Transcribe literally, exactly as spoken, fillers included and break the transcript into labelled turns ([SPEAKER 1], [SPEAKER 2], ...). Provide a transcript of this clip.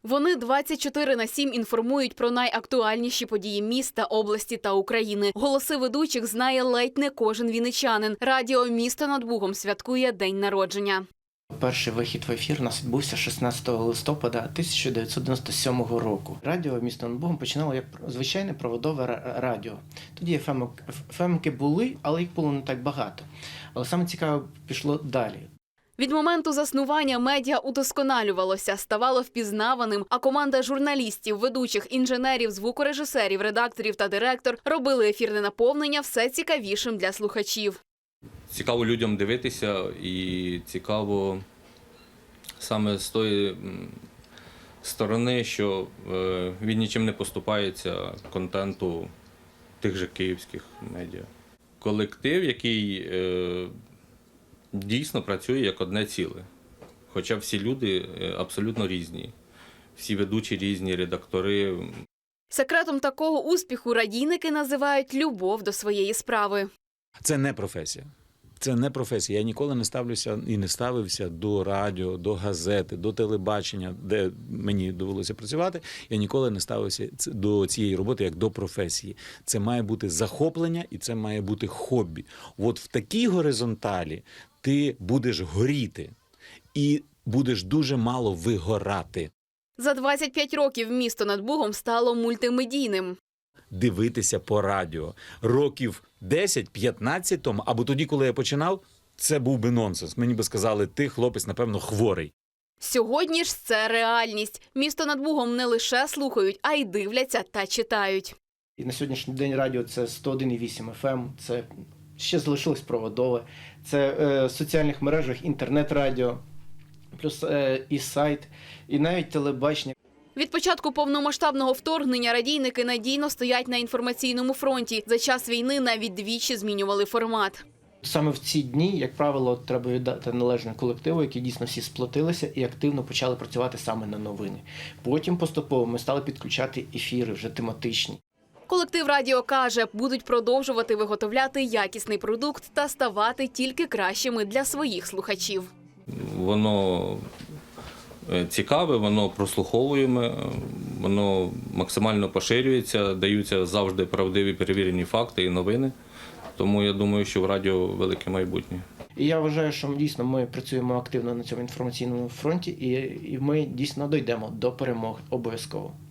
[SPEAKER 1] Вони двадцять чотири на сім інформують про найактуальніші події міста, області та України. Голоси ведучих знає ледь не кожен вінничанин. Радіо «Місто над Бугом» святкує день народження.
[SPEAKER 2] Перший вихід в ефір у нас відбувся шістнадцятого листопада тисяча дев'ятсот дев'яносто сьомого року. Радіо «Місто над Бугом» починало як звичайне проводове радіо. Тоді еф емки були, але їх було не так багато. Але саме цікаве пішло далі.
[SPEAKER 1] Від моменту заснування медіа удосконалювалося, ставало впізнаваним, а команда журналістів, ведучих, інженерів, звукорежисерів, редакторів та директор робили ефірне наповнення все цікавішим для слухачів.
[SPEAKER 3] Цікаво людям дивитися і цікаво саме з тої сторони, що він нічим не поступається контенту тих же київських медіа. Колектив, який дійсно працює як одне ціле, хоча всі люди абсолютно різні, всі ведучі різні, редактори.
[SPEAKER 1] Секретом такого успіху радійники називають любов до своєї справи.
[SPEAKER 4] Це не професія. Це не професія. Я ніколи не ставлюся і не ставився до радіо, до газети, до телебачення, де мені довелося працювати. Я ніколи не ставився до цієї роботи як до професії. Це має бути захоплення і це має бути хобі. От в такій горизонталі ти будеш горіти і будеш дуже мало вигорати.
[SPEAKER 1] За двадцять п'ять років «Місто над Бугом» стало мультимедійним.
[SPEAKER 4] Дивитися по радіо. Років десять-п'ятнадцять тому, або тоді, коли я починав, це був би нонсенс. Мені би сказали, ти, хлопець, напевно, хворий.
[SPEAKER 1] Сьогодні ж це реальність. «Місто над Бугом» не лише слухають, а й дивляться та читають.
[SPEAKER 2] І на сьогоднішній день радіо – це сто один і вісім еф ем, це ще залишилось проводове, це е, в соціальних мережах інтернет-радіо, плюс е, і сайт, і навіть телебачення.
[SPEAKER 1] Від початку повномасштабного вторгнення радійники надійно стоять на інформаційному фронті. За час війни навіть двічі змінювали формат.
[SPEAKER 2] Саме в ці дні, як правило, треба віддати належне колективу, які дійсно всі сплотилися і активно почали працювати саме на новини. Потім поступово ми стали підключати ефіри вже тематичні.
[SPEAKER 1] Колектив радіо каже, будуть продовжувати виготовляти якісний продукт та ставати тільки кращими для своїх слухачів.
[SPEAKER 3] Воно цікаве, воно прослуховуємо, воно максимально поширюється, даються завжди правдиві перевірені факти і новини. Тому я думаю, що в радіо велике майбутнє.
[SPEAKER 2] І я вважаю, що дійсно ми працюємо активно на цьому інформаційному фронті і, і ми дійсно дійдемо до перемоги обов'язково.